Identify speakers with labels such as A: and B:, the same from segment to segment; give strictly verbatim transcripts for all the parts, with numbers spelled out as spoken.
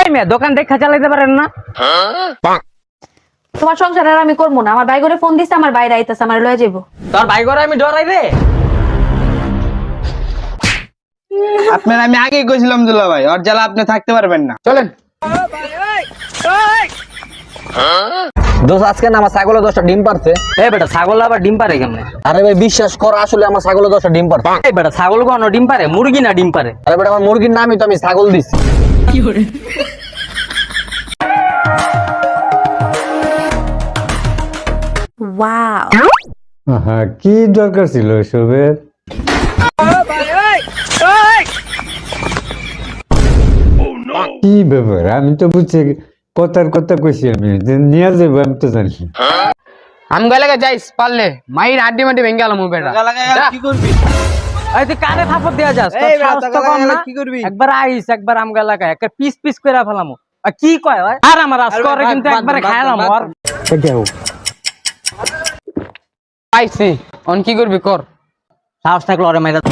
A: এই মেয়ে দোকান দেখা চালাইতে পারেন না?
B: তোমার সংসার আর আমি করবো না। আমার ভাই করে ফোন দিছে, আমার বাইরে আইতাছে, আমার লয়ে যাবো।
A: তোর ভাই করে আমি ডরাই রে।
C: আপনার আমি আগেই কইছিলাম দুলা ভাই, ওর জ্বালা আপনি থাকতে পারবেন না। চলেন।
D: দোষ আজকে না আমার ছাগলের দশটা ডিম পারছে।
A: এই বেটা ছাগল আবার ডিম পারে কেমনে?
D: আরে ভাই বিশ্বাস কর, আসলে আমার ছাগলের দশটা ডিম পারছে।
A: এই বেটা ছাগল কোনো ডিম পারে? মুরগি না ডিম পারে?
D: আরে বেটা আমার মুরগির নামই তো আমি ছাগল দিছি।
B: ওয়াও,
E: হ্যাঁ, কি দরকার ছিল এসবের? কি ব্যাপার? আমি তো বুঝছি কথার কথা কইছি, আমি যে নিয়ে যাবো আমি তো জানি।
C: আমি গেলে যাইস পারলে মাইর আড্ডি মাড্ডি ভেঙে গেল মুখ বেটা। কি করবি?
A: এই তুই কানে থাপড় দেয়া যাস? তোর
C: এই বেটা,
A: সাহস তো
C: টাকা
A: কম
C: লাগালে
A: না?
C: কি করবি?
A: একবার আইস, একবার আমগা লাগায় একটা পিস পিস করে ফেলামু। আর কি কয় ভাই? আর আমার আজ করে কিন্তু একবারে খাইলাম। আর
C: পাইছি, অন কি করবি কর।
A: সাহস থাকলে ওরে মাইরা।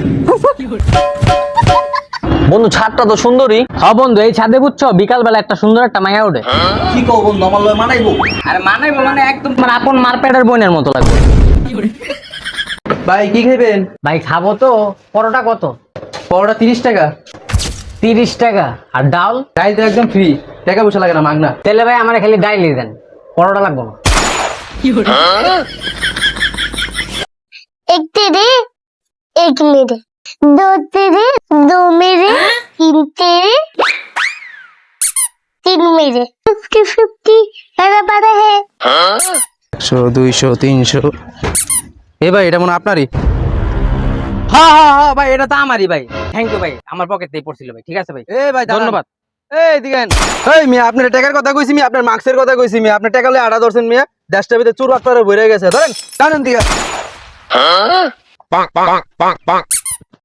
D: বন্ধু ছাদটা তো সুন্দরী।
A: হ্যাঁ বন্ধু, এই ছাদে বুঝছো বিকাল বেলা একটা সুন্দর একটা মাইয়া ওঠে।
D: কি কও বন্ধু, আমার লয় মানাইবো?
A: আরে মানাইবো মানে একদম মানে আপন মারপেটের বোনের মতো লাগবে।
C: ভাই কি খাইবেন?
A: ভাই খাবো তো। পরোটা কত?
C: পরোটা তিরিশ টাকা।
A: তিরিশ টাকা। আর ডাল?
C: ডাইল তো একদম ফ্রি, টাকা পয়সা লাগে না, মাগনা।
A: তেলে ভাই আমার খালি ডাইলই দেন, পরোটা লাগবো না।
F: एक तेरे एक मेरे, दो तेरे दो मेरे, तीन तेरे तीन मेरे, फिफ्टी फिफ्टी मेरा बड़ा है।
C: একশো দুইশো তিনশো। এ ভাই এটা মনে হয় আপনারই।
A: হ্যাঁ হ্যাঁ হ্যাঁ ভাই, এটা তো আমারই ভাই। থ্যাংক ইউ ভাই, আমার পকেট থেকে পড়ছিল ভাই। ঠিক আছে ভাই,
C: এ ভাই
A: ধন্যবাদ।
C: এই দিকেন। এই মিয়া আপনার টাকার কথা কইছি, মিয়া আপনার মার্কসের কথা কইছি, মিয়া আপনার টাকা লয়ে আড়া ধরছেন মিয়া। দেশটা ভিতরে চুর বাটপারে ভরে গেছে, ধরেন টানেন দিকে।